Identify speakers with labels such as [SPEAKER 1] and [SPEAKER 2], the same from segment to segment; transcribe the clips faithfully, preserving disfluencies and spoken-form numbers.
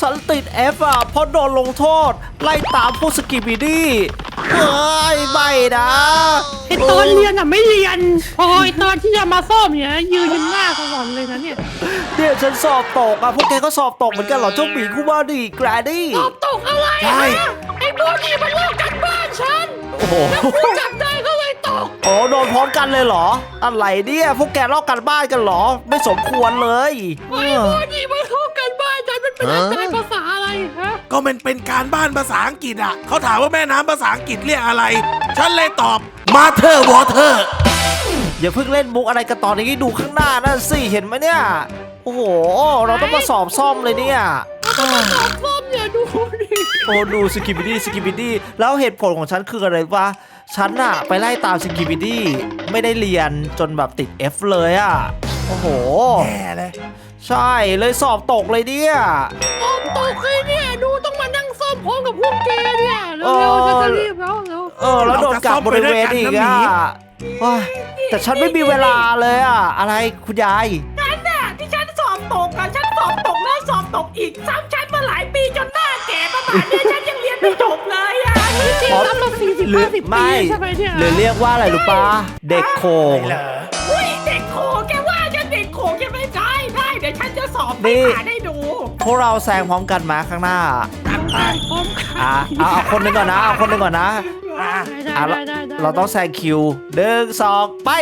[SPEAKER 1] ฉันติด F อ่ะเพราะโดนลงโทษไล่ตามพวกสกิบิดี้เฮ้ยไม่นะ
[SPEAKER 2] ไอตอนเรียนอ่ะไม่เรียนพอไอตอนที่จะมาซ่อมเนี่ยยืนหน้าสวรรค์เลยนะเนี่ย
[SPEAKER 1] เนี่ยฉันสอบตกอ่ะพวกแกก็สอบตกเหมือนกันเหรอเจ้าหมีคู่บ้านดิแกรดี้
[SPEAKER 2] สอบตกอะไรอ่ะไอ้พวกนี้มันลอกกันบ้านฉัน
[SPEAKER 1] โอ้โห
[SPEAKER 2] จับได้ก็เลยตก
[SPEAKER 1] โอ้โดนพร้อมกันเลยเหรออะไรเนี่ยพวกแกลอกกันบ้านกันเหรอไม่สมควรเลย
[SPEAKER 2] ไอ้พวกนี้มันลอกกันบ้านฉันมันเป็นอะไรภาษาอะไรฮะ
[SPEAKER 3] ก็มันเป็นการบ้านภาษาอังกฤษอ่ะเขาถามว่าแม่น้ำภาษาอังกฤษเรียกอะไรฉันเลยตอบ Mother Water
[SPEAKER 1] อย่าเพิ่งเล่นมุกอะไรกันตอนนี้ดูข้างหน้านั่นสิเห็นไหมเนี่ยโอ้โหเราต้องมาสอบซ่อมเลยเนี่ย
[SPEAKER 2] สอบซ่อมเนี่ยดูดิ
[SPEAKER 1] โอ้ดูสกิบิดี้สกิบิดี้แล้วเหตุผลของฉันคืออะไรวะฉันอะไปไล่ตามสกิบิดี้ไม่ได้เรียนจนแบบติด F เลยอะโอ้โห
[SPEAKER 3] แย่เลย
[SPEAKER 1] ใช่เลยสอบตกเลยเนี่ย
[SPEAKER 2] สอบตกเลยเนี่ยดูต้องมานั่งซ่อมพร้อมกับพวกแกเนี่ยเร็วๆฉันจะรีบแล้วเร็ว
[SPEAKER 1] เออแล้วโดนกับบริเวณอีกอะแต่ฉันไม่มีเวลาเลยอะอะไรคุณยาย
[SPEAKER 4] ฉันน่ะที่ฉันสอบตกอะฉันสอบตกแล้วสอบตกอีกซ้ำฉันมาหลายปีจนหน้าแก่ประมาณนี้ฉันยังเรียนไม่จบเลยอะ
[SPEAKER 2] จริงๆรับมาสี่สิบห้าสิบปีใช่ไหมเนี่ย
[SPEAKER 1] หรือเรียกว่าอะไรรู้ปะเด็กโขง
[SPEAKER 4] อุ้ยเด็กโขงแกว่าฉันเด็กโขงจะไม่ได้ได้เดี๋ยวฉันจะสอบไปหาได้ดู
[SPEAKER 1] พวกเราแซงพร้อมกันมาข้างหน้าอ่ะเอาเอาคนหนึ่งก่อนนะเอาคนหนึ่งก่อนนะอ่ะเราต้องแซงคิวหนึ่งสองไป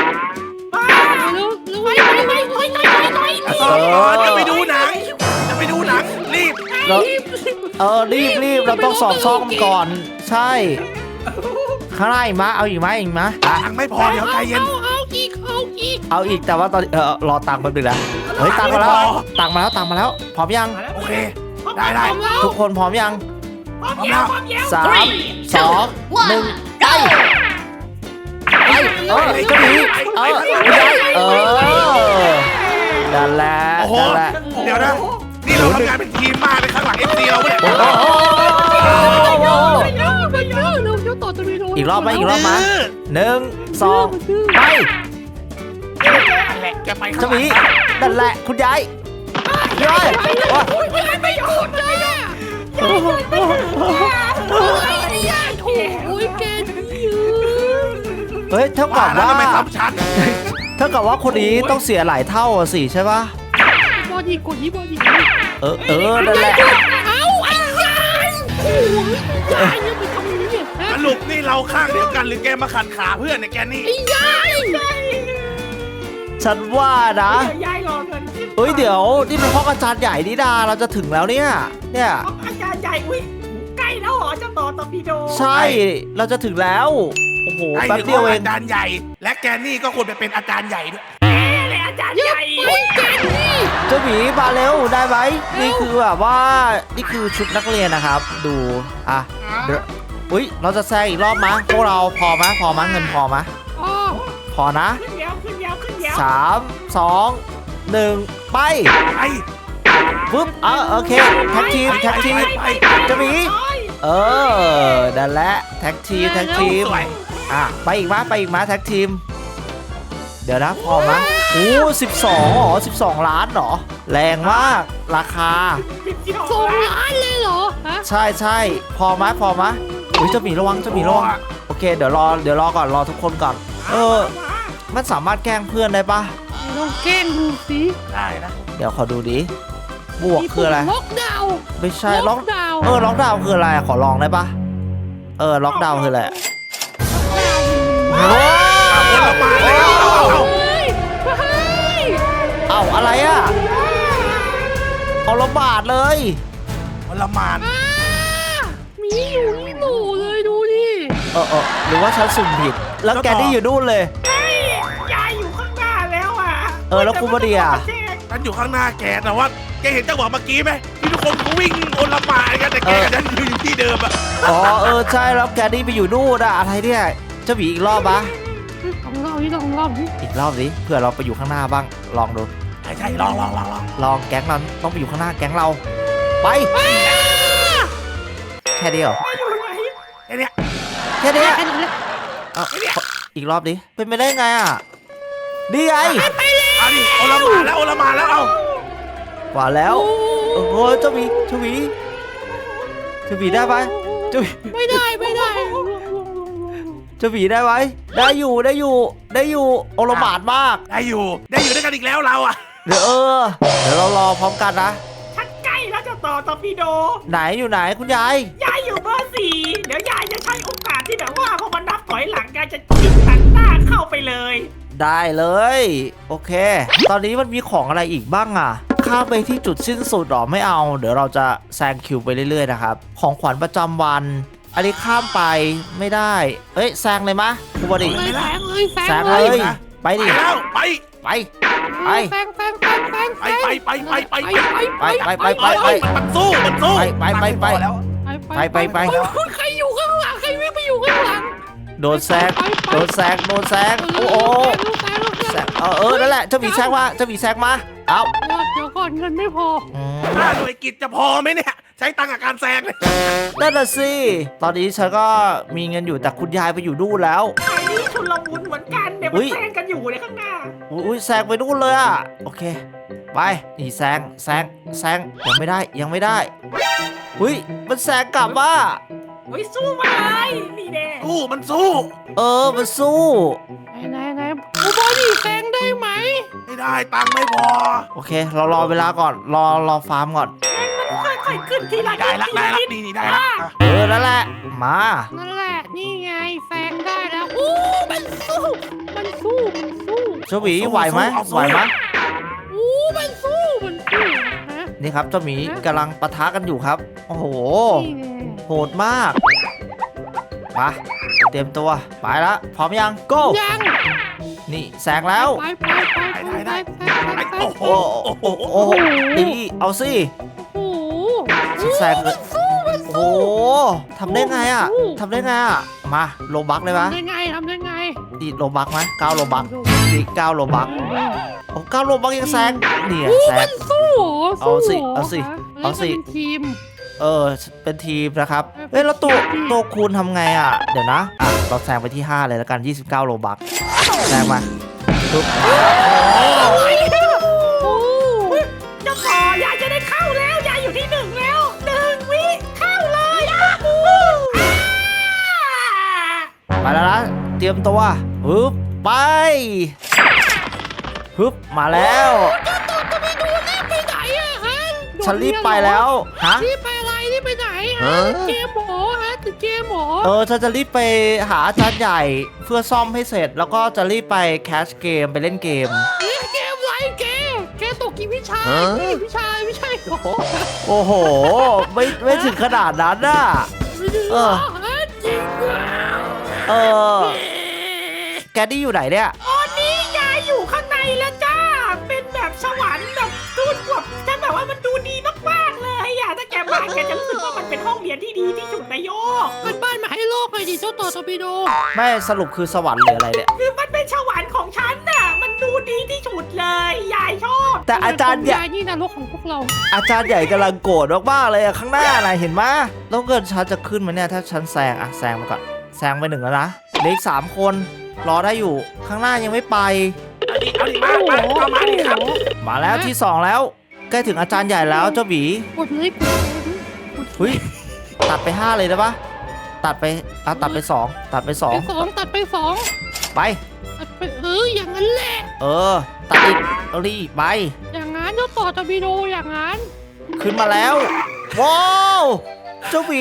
[SPEAKER 3] จะไปดูหนังจะไปดูหนังรีบ
[SPEAKER 1] เออรีบรีบเราต้องสอบซ่อมก่อนใช่ข้างหน้าอีกมั้ยเอาอีกมั้ยอีกมั้ย
[SPEAKER 3] ตังไม่พอเดี๋ยวใจเย็น
[SPEAKER 2] เอาอีกเอาอีก
[SPEAKER 1] เอาอีกแต่ว่าตอนเออรอตังค์แป๊บนึงนะเฮ้ยตังค์มาแล้วตังค์มาแล้วตังค์มาแล้วพร้อมยัง
[SPEAKER 3] โอเคได้ได้
[SPEAKER 1] ทุกคนพร้อมยัง
[SPEAKER 4] พร้อมแล้ว
[SPEAKER 1] สามสองหนึ่งไปไปเออก็ดีเออเออนั่นแหละนั่นแหละ
[SPEAKER 3] เดี๋ยวนะนี่เราทำงานเป็นทีมมากเลยข้างหลังเอฟซีเราเนี่ย
[SPEAKER 1] อีกรอบไหมอีกรอบไหมหนึ่งสองไปจะมีนั่นแหละคุณยายยาย
[SPEAKER 2] ไม่หยุดเลยอ่ะโอ้ยแกนี่
[SPEAKER 1] เฮ้ยเท่ากับว่าเท่ากับว่าคนนี้ต้องเสียหลายเท่าสิใช่ปะ
[SPEAKER 2] บอดี้กดนี้บอดี้
[SPEAKER 1] เออเออนั่นแหละ
[SPEAKER 2] เอาไอ้ยายโอ้ยยายเนี่ยไปทำนี้เนี่ย
[SPEAKER 3] สรุปนี่เราข้างเดียวกันหรือแกมาขัดขาเพื่อนเนี่ยแกนี่
[SPEAKER 2] ไอ้ยาย
[SPEAKER 1] ฉันว่านะ
[SPEAKER 4] ยายรอเงิน
[SPEAKER 1] เฮ้ยเดี๋ยวนี่เป็นห้องอาจารย์ใหญ่นี่ดาเราจะถึงแล้วเนี่ยเนี่ย
[SPEAKER 4] ห้องอาจารย์ใหญ่อุ้ยใกล้แล้วเหรอเจ้าต่อตอร์ปิโด
[SPEAKER 1] ใช่เราจะถึงแล้วโอ้โหแป๊บเดียวเอง
[SPEAKER 3] อาจารย์ใหญ่และแกนี่ก็ควรไปเป็นอาจารย์ใหญ่ด้วย
[SPEAKER 4] เลยอาจารย์ใหญ่
[SPEAKER 1] เจ้าหมีมาเร็วได้ไหมนี่คือแบบว่านี่คือชุดนักเรียนนะครับดูอ่ะเดี๋ยวอุ้ยเราจะแซงอีกรอบมั้ยพวกเราพอมั้ยพอมั้ยเงินพอมั้ยพอนะ
[SPEAKER 4] ขึ้นยาวขึ้นยาวขึ้นยาว
[SPEAKER 1] สามสองหนึ่งไป
[SPEAKER 3] ไป
[SPEAKER 1] ปึ๊บอ่ะโอเคแท็กทีมแท็กทีมเจ้าหมีเออนั่นแหละแท็กทีมแท็กทีมอ่ะไปอีกมั้ยไปอีกมั้ยแท็กทีมเดี๋ยวนะพอมั้ยโอ้สิบสองหรอสิบสองล้านหรอแรงมากราคา
[SPEAKER 2] สองล้านเลยเหรอ
[SPEAKER 1] ใช่ใช่พอมั้ยพอมั้ยอุ้ยเจ้าหมีระวังเจ้าหมีระวังโอเคเดี๋ยวรอเดี๋ยวรอก่อนรอทุกคนก่อนเออมันสามารถแกล้งเพื่อนได้ปะ
[SPEAKER 2] ลองแกล้งดูสิ
[SPEAKER 3] ได้นะ
[SPEAKER 1] เดี๋ยวขอดูดิบวกคืออะไร
[SPEAKER 2] ล็อกดาวน์
[SPEAKER 1] ไม่ใช่ล็อกดาวน์เออล็อกดาวน์คืออะไรขอลองได้ปะเออล็อกดาวน์คืออะไรว้าว
[SPEAKER 3] มาแล้ว
[SPEAKER 1] เอาอะไรอ่ะเอาละบาทเลย
[SPEAKER 3] เอาละหมาด
[SPEAKER 2] มีอยู่นี่หนูเลยดูดิ
[SPEAKER 1] เออเออหรือว่าฉันสุ่มผิดแล้วแกนี่อยู่นู่นเลย
[SPEAKER 4] ยายอยู่ข้างหน้าแล้วอ่ะ
[SPEAKER 1] เออแล้วคุณมาเดีย
[SPEAKER 3] ฉันอยู่ข้างหน้าแกแต่ว่าแกเห็นจังหวะเมื่อกี้ไหมที่ทุกคนเขาวิ่งโอละหมาดกันแต่แกฉันอยู่ที่เดิมอ่ะ
[SPEAKER 1] อ๋อเออใช่แล้วแกนี่ไปอยู่นู่นอะอะไรเนี่ยจะบีอีกรอบปะ
[SPEAKER 2] ลองรอบนี้ลองรอบนี้
[SPEAKER 1] อีกรอบสิเผื่อเราไปอยู่ข้างหน้าบ้างลองดู
[SPEAKER 3] ใช่ใช่ลองลองลองลอง
[SPEAKER 1] ลองแก๊งเราต้องไปอยู่ข้างหน้าแก๊งเราไปแค่เดียว
[SPEAKER 3] แค่นี้
[SPEAKER 1] แค่นี้เอาอีกรอบดิเป็นไปได้ไงอ่ะดีไง
[SPEAKER 3] เอาดิโอละหมาดแล้วโอละหมาดแล้วเอา
[SPEAKER 1] กว่าแล้วโอ้โหเจ้าหมีเจ้าหมีเจ้าหมีได้ไหมเจ้าหมี
[SPEAKER 2] ไม่ได้ไม่ได้
[SPEAKER 1] เจ้าหมีได้ไหมได้อยู่ได้อยู่ได้อยู่โอลหม่านมาก
[SPEAKER 3] ได้อยู่ได้อยู่ด้วยกันอีกแล้วเราอะ
[SPEAKER 1] เดี๋ยวเออเดี๋ยวเรารอพร้อมกันนะ
[SPEAKER 4] ฉันใกล้แล้วเจ้าต่อตอร์ปิโด
[SPEAKER 1] ไหนอยู่ไหนคุณยาย
[SPEAKER 4] ยายอยู่เบอร์สี่เดี๋ยวยายจะใช้โอกาสที่แบบว่าพอมันนับถอยหลังยายจะชิงตัดหน้าเข้าไปเลย
[SPEAKER 1] ได้เลยโอเค ตอนนี้มันมีของอะไรอีกบ้างอ่ะข้ามไปที่จุดสิ้นสุดหรอไม่เอาเดี๋ยวเราจะแซงคิวไปเรื่อยๆนะครับของขวัญประจำวัน อันนี้ข้ามไปไม่ได้เอ้ยแซงเลยมะคุณบอดี
[SPEAKER 2] เลยแซงเลยแซง
[SPEAKER 1] แซง
[SPEAKER 2] เล
[SPEAKER 1] เลย ยไป
[SPEAKER 3] ไป
[SPEAKER 1] ดิ
[SPEAKER 3] แล้วไป
[SPEAKER 1] ไปไป
[SPEAKER 2] แซงแซงแซงแซง
[SPEAKER 3] ไปไปไปไปไป
[SPEAKER 2] ไปไป
[SPEAKER 1] ไปไปไป
[SPEAKER 3] ไปมันสู้มันสู้
[SPEAKER 1] ไปไปไป
[SPEAKER 3] แล้ว
[SPEAKER 1] ไปไปไป
[SPEAKER 2] คุณใครอยู่ข้างหลังใครวิ่งไปอยู่ข้างหลัง
[SPEAKER 1] โดนแซงโดนแซงโดนแซงโอ้โหแซงเออเออนั่นแหละเจ้าหมีแซงมาเจ้าหมีแซงมาเอ้า
[SPEAKER 2] เดี๋ยวก่อนเงินไม่พอ
[SPEAKER 1] อืม
[SPEAKER 3] ถ้าหน่วยกิจจะพอไหมเนี่ยใช้ตังค์กับการแซงเลย
[SPEAKER 1] นั่นน่ะสิตอนนี้ฉันก็มีเงินอยู่แต่คุณยายไปอยู่นู่นแล้ว
[SPEAKER 4] ไอ้นี่ชุลมุนเหมือนกันเดี๋ยว
[SPEAKER 1] อุ๊
[SPEAKER 4] มัน
[SPEAKER 1] ย
[SPEAKER 4] แซงกันอยู่ในข้างหน้า
[SPEAKER 1] อุ้ยแซงไปนู่นเลยอ่ะโอเคไปนี่แซงแซงแซงยังไม่ได้ยังไม่ได้อุ้ยมันแซงกลับว่า
[SPEAKER 4] เฮ้ยสู้มาเลยนี่แน่
[SPEAKER 3] สู้มันสู้
[SPEAKER 1] เออมันสู้
[SPEAKER 2] ไหนไหนไหนกูบอดี้แซงได้ไหม
[SPEAKER 3] ไม่ได้ตังค์ไม่พอ
[SPEAKER 1] โอเค เรารอเวลาก่อนรอรอฟาร์มก่อน
[SPEAKER 4] ค่อยๆขึ้นทีละ
[SPEAKER 3] ได้
[SPEAKER 4] นิด
[SPEAKER 3] ละ
[SPEAKER 4] ที
[SPEAKER 3] ได้
[SPEAKER 4] ละ
[SPEAKER 3] ละ
[SPEAKER 4] นิด
[SPEAKER 3] นี่นี่ได้ละอ่ะ
[SPEAKER 1] เออนั่นแหละมา
[SPEAKER 2] นั่นแหละนี่ไงแซงได้แล้วอู้มันสู้มันสู้มันสู้
[SPEAKER 1] เจ้าหมีไหวไหมไหวไหม
[SPEAKER 2] อู้มันสู้มันสู้ฮะ
[SPEAKER 1] นี่ครับเจ้าหมีกำลังปะทะกันอยู่ครับโอ้โห
[SPEAKER 2] นี่ไง
[SPEAKER 1] โหดมากมาเตรียมตัวไปละพร้อมยัง go
[SPEAKER 2] ยัง
[SPEAKER 1] นี่แซงแล้ว
[SPEAKER 2] ไปไปไปไปไปไปไป
[SPEAKER 3] โอ้โห
[SPEAKER 1] โอ้โหโอ้โหดีเอาสิ
[SPEAKER 2] โอ้โห
[SPEAKER 1] ฉันแซงเลย
[SPEAKER 2] สู้มัน
[SPEAKER 1] โอ้โหทำได้ไงอ่ะทำได้ไงอ่ะมาโลบักเลยปะ
[SPEAKER 2] ทำได้ไงทำได้ไง
[SPEAKER 1] ดีโลบักไหมเก้าโลบักดีเก้าโลบักโอ้เก้าโลบักยังแซงเนี่ย
[SPEAKER 2] อู้
[SPEAKER 1] แซ
[SPEAKER 2] มั
[SPEAKER 1] ง
[SPEAKER 2] นสู้เหรอ
[SPEAKER 1] เอาสิ
[SPEAKER 2] สู้หร
[SPEAKER 1] เอาสิ
[SPEAKER 2] ฮะ
[SPEAKER 1] เอาสิ
[SPEAKER 2] ล่นเป็นทีม
[SPEAKER 1] เออเป็นทีมนะครับเฮ้ยแล้วตัวตัวคูณทำไงอ่ะเดี๋ยวนะอ่ะเราแซงไปที่ห้าเลยแล้วกันยี่สิบเก้าโลบักแซงมาปุ๊บ
[SPEAKER 2] โอ้
[SPEAKER 4] เจ้าต่อยายจะได้เข้าแล้วยายอยู่ที่หนึ่งแล้วหนึ่งวิเข้าเลยอ่ะอู้อ่า
[SPEAKER 1] มาแล้วนะเตรียมตัวปึ๊บไปปึ๊บมาแล้ว
[SPEAKER 2] เจ้าตัวจะไปดูรีบไปไหนอะฮะ
[SPEAKER 1] ฉันรีบไปแล้วฮะ
[SPEAKER 2] รีบไปอะไรรีบไปไหนฮะ
[SPEAKER 1] ฮะ
[SPEAKER 2] เกมหมอฮะติดเกมหมอ
[SPEAKER 1] เออฉันจะรีบไปหาอาจารย์ใหญ่เพื่อซ่อมให้เสร็จ แล้วก็จะรีบไปแคชเกมไปเล่นเกม
[SPEAKER 2] เล่นเกมไรแกแกตกกี่วิชา
[SPEAKER 1] ฮะ
[SPEAKER 2] กี่วิชาไม่ใช่เหรอ
[SPEAKER 1] โอ้โห ไม่ไม่ถึงขนาดนั้นน่ะ
[SPEAKER 2] ไม่ได้
[SPEAKER 1] เอ
[SPEAKER 2] เหร
[SPEAKER 1] อ
[SPEAKER 2] อฮะจริงเหรอ
[SPEAKER 1] เออ แกดี้อยู่ไหนเนี่ย
[SPEAKER 4] ตอนนี้ยายอยู่ข้างในแล้วจ้า เป็นแบบสวรรค์แบบดูดแบบฉันแบบว่ามันดูดีมากๆเลยอ่ะถ้าแกมาแกจะรู้สึกว่ามันเป็นห้องเรียนที่ดีที่สุดในโลก
[SPEAKER 2] มันบ้านมาให้โลกเลยดิเจ้าต่อตอร์ปิโด
[SPEAKER 1] ไม่สรุปคือสวรรค์หรืออะไรเนี่ย
[SPEAKER 4] คือมันเป็นสวรรค์ของฉันน่ะ มันดูดีที่สุดเลย ยายชอบ
[SPEAKER 1] แต่อาจารย์ใหญ่
[SPEAKER 2] ยนี่นรกของพวกเรา
[SPEAKER 1] อาจารย์ใหญ่กำลังโกรธมากๆเลยอะข้างหน้านะเห็นไหมแล้วเกิดฉันจะขึ้นมาเนี่ยถ้าฉันแซงอะแซงมาก่อนแซงไปหนึ่งแล้วนะเหลืออีกสามคนรอได้อยู่ข้างหน้ายังไม่ไป
[SPEAKER 3] เอาดิเอาดิมามาเข้ามาดิครับ
[SPEAKER 1] มาแล้วที่สองแล้วใกล้ถึงอาจารย์ใหญ่แล้วเจ้าหวี
[SPEAKER 2] กดเลยกดเลยกด
[SPEAKER 1] เฮ้ยตัดไปห้าเลยได้ปะตัดไปอ่ะตัดไปสองตัดไปสอง
[SPEAKER 2] ไปสองตัดไปสอง
[SPEAKER 1] ไป
[SPEAKER 2] ตัดไปเอออย่างนั้นแหละ
[SPEAKER 1] เออตัดอีกเอาดิไป
[SPEAKER 2] อย่างนั้นเจ้าต่อตอร์ปิโดอย่างนั้น
[SPEAKER 1] ขึ้นมาแล้วว้าวเจ้าหวี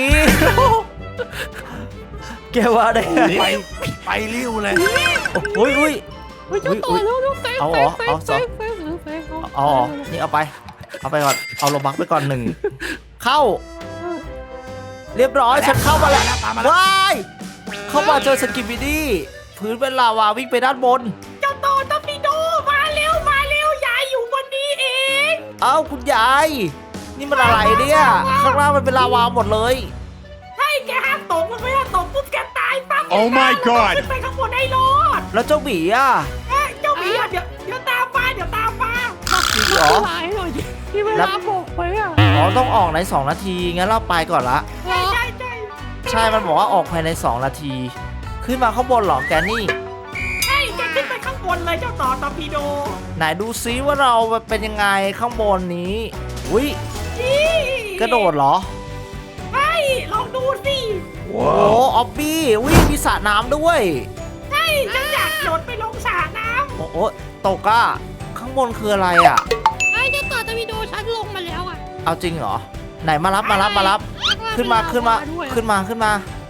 [SPEAKER 1] แกว่าได้ไง
[SPEAKER 3] ไปไปริ้วเลย
[SPEAKER 1] โอ้ยอุ้ย
[SPEAKER 2] เฮ้ยเจ้าต่อแล้วแล้วแซง
[SPEAKER 1] เอา
[SPEAKER 2] แซ
[SPEAKER 1] เหรอง
[SPEAKER 2] แซ
[SPEAKER 1] เอา
[SPEAKER 2] ง
[SPEAKER 1] ส
[SPEAKER 2] แซ
[SPEAKER 1] อง
[SPEAKER 2] งแซงแซง
[SPEAKER 1] อ๋อนี่เอาไป เอาไปก่อน เอาโลบักไปก่อนหนึ่ง เข้า เรียบร้อย ฉันเข้ามาแล้ว
[SPEAKER 3] ตามมาแล้ว
[SPEAKER 1] ว้าย เข้ามาเจอสกิปปิดี้พื้นเป็นลาวาวิ่งไปด้านบน
[SPEAKER 4] เจ้าต่อตอร์ปิโดมาเร็วมาเร็วยายอยู่บนนี้เอง
[SPEAKER 1] เอ้าคุณยาย นี่มันอะไรเนี่ย ข้างล่างมันเป็นลาวาหมดเลย
[SPEAKER 4] ใช่แกห้ามตกมันไม่ห้ามตกปุ๊บแกตายปั๊บ
[SPEAKER 3] Oh my god
[SPEAKER 4] ขึ้นไปข้างบนให้รอด
[SPEAKER 1] แล้วเจ้าหมีอ่ะ
[SPEAKER 4] เอ้ยเจ้าหมีอ่ะเดี๋ยวเดี๋ยวตามมาเดี๋ยวตามมา
[SPEAKER 1] จริงเหรอ
[SPEAKER 2] หลายหน่อยดิที่เวลาบอกไปอ่ะ
[SPEAKER 1] อ๋อต้องออกในสองนาที งั้นเราไปก่อนละ
[SPEAKER 4] ใช่ใช่ใช่
[SPEAKER 1] ใช่ มันบอกว่าออกภายในสองนาที ขึ้นมาข้างบนเหรอแกนี่
[SPEAKER 4] ใช่แกขึ้นไปข้างบนเลยเจ้าต่อตอร์ปิโด
[SPEAKER 1] ไหนดูซิว่าเราเป็นยังไงข้างบนนี้ อุ้ย
[SPEAKER 4] นี่
[SPEAKER 1] กระโดดเหรอ
[SPEAKER 4] ใช่ลองดูสิ
[SPEAKER 1] โอ้ออบบี้วิ่งมีสระน้ำด้วย
[SPEAKER 4] ใช่ฉันอยากโดดไปลงสระน้
[SPEAKER 1] โอ้โหตกอะข้างบนคืออะไรอะ
[SPEAKER 2] ไอ้เจ้าต่อตะวิโดฉันลงมาแล้วอ่ะ
[SPEAKER 1] เอาจริงเหรอไหนมารับมารับมารับขึ้นมาขึ้นมาขึ้นมาขึ้นมา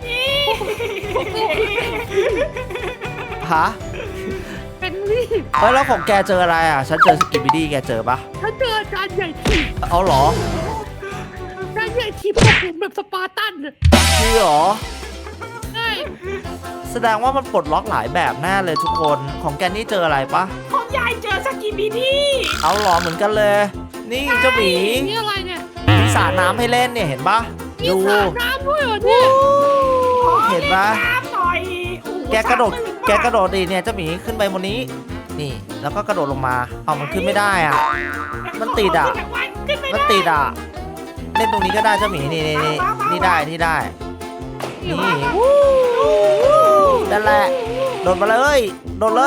[SPEAKER 4] ำ
[SPEAKER 1] ฮะ
[SPEAKER 2] เป็นนี่
[SPEAKER 1] เฮ้ยแล้วของแกเจออะไรอะฉันเจอสกิปปี้ดี้แกเจอปะ
[SPEAKER 2] ฉันเจออาจารย์ใหญ่ทีบ
[SPEAKER 1] เอาเหรอ
[SPEAKER 2] อาจารย์ใหญ่ทีบพวกผมแบบสปาร์ตันเลย
[SPEAKER 1] คือเหรอ
[SPEAKER 2] ใช่
[SPEAKER 1] แสดงว่ามันปลดล็อกหลายแบบแน่เลยทุกคนของแกนี่เจออะไรปะ
[SPEAKER 4] ของยายเจอสกิบิดี้
[SPEAKER 1] เอาเหรอเหมือนกันเลย นี่เจ้าหมี
[SPEAKER 2] นี่อะไรเนี่ย
[SPEAKER 1] มีสระน้ำให้เล่นเนี่ยเห็นปะ
[SPEAKER 2] มี
[SPEAKER 1] ดู
[SPEAKER 2] สระน้ำด้วยเหรอเนี่ย
[SPEAKER 1] เห็นปะ
[SPEAKER 4] น้ำหน่อยโอ้โห
[SPEAKER 1] แกกระโดด
[SPEAKER 4] สามหมื่น
[SPEAKER 1] แกกระโดดดีเนี่ยเจ้าหมีขึ้นไปบนนี้ นี่ แล้วก็กระโดดลงมาเอามันขึ้นไม่ได้อ่ะ มันติดอะ
[SPEAKER 4] ขึ้นไม่
[SPEAKER 1] มัน
[SPEAKER 4] ได้
[SPEAKER 1] ติดอ่ะ เล่นตรงนี้ก็ได้เจ้าหมีนี่นี่นี่นี่ได้นี่ได้ นี่นั่นแหละ โดดมาเลย โดดเลย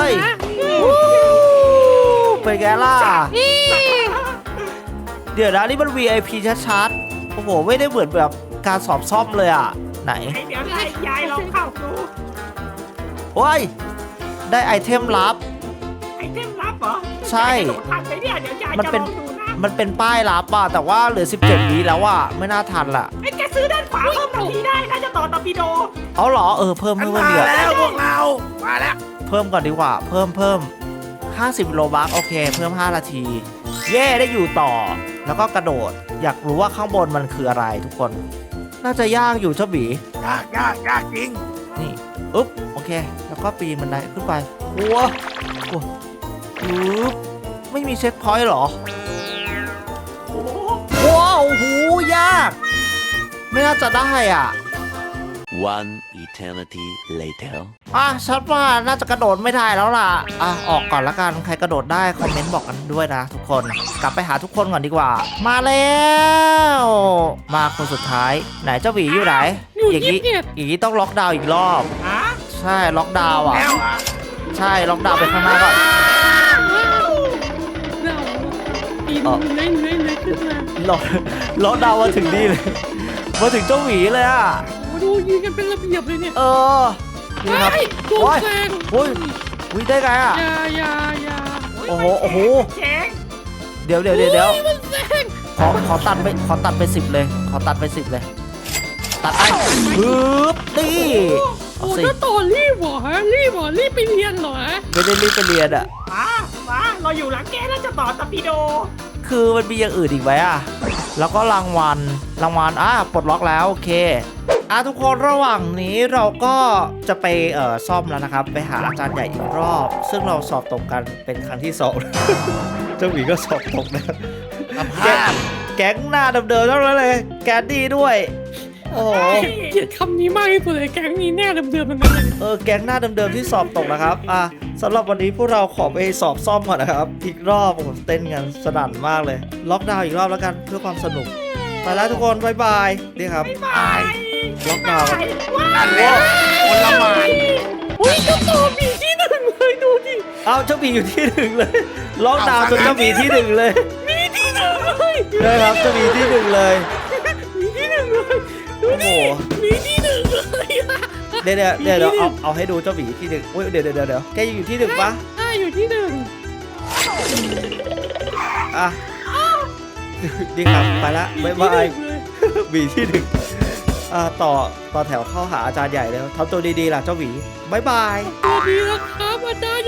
[SPEAKER 1] เป็นไงล่ะ
[SPEAKER 2] นี่
[SPEAKER 1] เดี๋ยวนะนี่มัน วี ไอ พี ชัดๆ โอ้โห ไม่ได้เหมือนแบบการสอบซ่อมเลยอ่ะ ไหน
[SPEAKER 4] เดี๋ยวได้ยายลองเข้าดู
[SPEAKER 1] โอ้ย ได้ไอเทมลับ
[SPEAKER 4] ไอเทมลับเหรอ
[SPEAKER 1] ใช่
[SPEAKER 4] ยายกระโดดทันไหมเนี่ยเดี๋ยวยาย
[SPEAKER 1] มัน
[SPEAKER 4] จะ
[SPEAKER 1] เป็น
[SPEAKER 4] ลองดูนะ
[SPEAKER 1] มันเป็นป้ายลับอ่ะ แต่ว่าเหลือ สิบเจ็ดวิแล้วอ่ะ ไม่น่าทันล่ะ
[SPEAKER 4] ไอ้แกซื้อด้านขวาเพิ่มนาทีได้น่าจะต่อตอร์ปิโด
[SPEAKER 1] เอาเหรอ เออ เพิ่ม
[SPEAKER 3] มัน
[SPEAKER 1] เพิ่ม
[SPEAKER 3] มา
[SPEAKER 1] เดือด
[SPEAKER 3] แล้วพวกเรามาแล้ว
[SPEAKER 1] เพิ่มก่อนดีกว่า เพิ่มเพิ่มห้าสิบโลบัคโอเค เพิ่มห้านาที เย่ได้อยู่ต่อ แล้วก็กระโดด อยากรู้ว่าข้างบนมันคืออะไรทุกคน น่าจะยากอยู่เจ้าบี
[SPEAKER 3] ยากยากยากจริง
[SPEAKER 1] นี่อุ๊บ โอเค แล้วก็ปีนบันไดขึ้นไปวัววัวอุ๊บ ไม่มีเช็คพอยต์เหรอ
[SPEAKER 4] โอ้โห
[SPEAKER 1] ว้าวโอ้โหยาก ไม่น่าจะได้อ่ะ
[SPEAKER 5] One eternity later.
[SPEAKER 1] อ่ะฉันว่าน่าจะกระโดดไม่ได้แล้วล่ะ อ่ะ ออกก่อนละกัน ใครกระโดดได้ คอมเมนต์บอกกันด้วยนะทุกคน กลับไปหาทุกคนก่อนดีกว่า มาแล้ว มาคนสุดท้าย ไหนเจ้าหวีอยู่ไหน
[SPEAKER 2] อยู่
[SPEAKER 1] อย่าง
[SPEAKER 2] ยี่
[SPEAKER 1] นี้
[SPEAKER 2] สิบเอ็ด
[SPEAKER 1] อย่างนี้ต้องล็อกดาวน์อีกรอบ
[SPEAKER 4] ฮะ
[SPEAKER 1] ใช่ ล็อกดาวน์อ่ะ
[SPEAKER 3] แล้วอ่ะ
[SPEAKER 1] ใช่ ล็อกดาวน์ไปข้างหน้าก่อน
[SPEAKER 2] เราปีนเล่นเล่นเล่นขึ้นมา
[SPEAKER 1] ล็อกล็อกดาวน์มาถึงนี่เลย มาถึงเจ้าหวีเลยอ่ะ
[SPEAKER 2] โอ้ดูยิงกันเป็นระเบียบเลยเนี่ย
[SPEAKER 1] เออ นี่ครับ
[SPEAKER 2] เฮ้ยโดน
[SPEAKER 1] โอ้ย
[SPEAKER 2] แซง
[SPEAKER 1] โอ้ยวิได้ไงอ่ะ
[SPEAKER 2] อย่าอย่าอย่า
[SPEAKER 1] โอ้โห โอ้โห
[SPEAKER 4] เจ๋ง
[SPEAKER 1] เดี๋ยวเดี๋ยวเดี๋ยวเดี๋ยว
[SPEAKER 2] โอ้มันแซง
[SPEAKER 1] ขอขอตัดไปขอตัดไปสิบเลย ขอตัดไปสิบเลย ตัดไปปึ๊บนี่เอา
[SPEAKER 2] โอ้
[SPEAKER 1] สิ
[SPEAKER 2] ถ้าต่อรีบเหรอฮะรีบเหรอรีบไปเรียนเหรอฮะ
[SPEAKER 1] ไม่ได้รีบไปเรียนอ่ะ
[SPEAKER 4] มามาเราอยู่หลังแกน่าจะต่อตอร์ปิโด
[SPEAKER 1] คือมันมีอย่างอื่นอีกไหมอ่ะ แล้วก็รางวัล รางวัล อ่ะ ปลดล็อกแล้วโอเค อ่ะทุกคนระหว่างนี้เราก็จะไปเอ่อซ่อมแล้วนะครับ ไปหาอาจารย์ใหญ่อีกรอบ ซึ่งเราสอบตกกันเป็นครั้งที่สอง เจ้าหมีก็สอบตกนะ
[SPEAKER 3] สภ
[SPEAKER 1] แก๊
[SPEAKER 3] าพ
[SPEAKER 1] งแก๊งหน้าเดิมๆทั้งนั้นเลย แกดดี้ด้วย โอ้โห
[SPEAKER 2] เกลียดคำนี้มากที่สุดเลยแก๊งนี้แน่เดิมๆทั้งนั้นเลย
[SPEAKER 1] เออแก๊งหน้าเดิมๆที่สอบตกนะครับ อ่ะสำหรับวันนี้พวกเราขอไปสอบซ่อมก่อนนะครับ อีกรอบโอ้โหเต้นกันสนั่นมากเลย ล็อกดาวน์อีกรอบแล้วกันเพื่อความสนุก ไปแล้วทุกคนบายบายนี่ครับ
[SPEAKER 4] บาย
[SPEAKER 1] ล็อกดาวน์
[SPEAKER 4] ว้า
[SPEAKER 3] นั่นแหละคนละหมาน
[SPEAKER 2] อุ้ยเจ้าต่อมีที่หนึ่งเลยดูดิ
[SPEAKER 1] เอาเจ้าหมีอยู่ที่หนึ่งเลย ล็อกดาวน์จนเจ้าหมีที่หนึ่งเลย
[SPEAKER 2] มีที่หนึ่งเลย
[SPEAKER 1] ได้ครับเจ้าหมีที่หนึ่งเลย
[SPEAKER 2] มีที่หนึ่งเลยดู
[SPEAKER 1] โอ้โห
[SPEAKER 2] ดิมีที่หนึ่งเลยอะ
[SPEAKER 1] เดี๋ยวเดี๋ยวเดี๋ยวเดี๋ยวเอาเอาให้ดูเจ้าหมีที่หนึ่งอุ้ยเดี๋ยวเดี๋ยวเดี๋ยวเดี๋ยวแกยังอยู่ที่หนึ่งปะ
[SPEAKER 2] อ่าอยู่ที่หนึ่ง
[SPEAKER 1] อ่ะดีครับไปละบายบาย หวีที่หนึ่งอ่าต่อต่อแถวเข้าหาอาจารย์ใหญ่แล้วทำตัวดีๆล่ะเจ้าหวีบายบาย
[SPEAKER 2] ตัวดีแล้วครับอาจารย์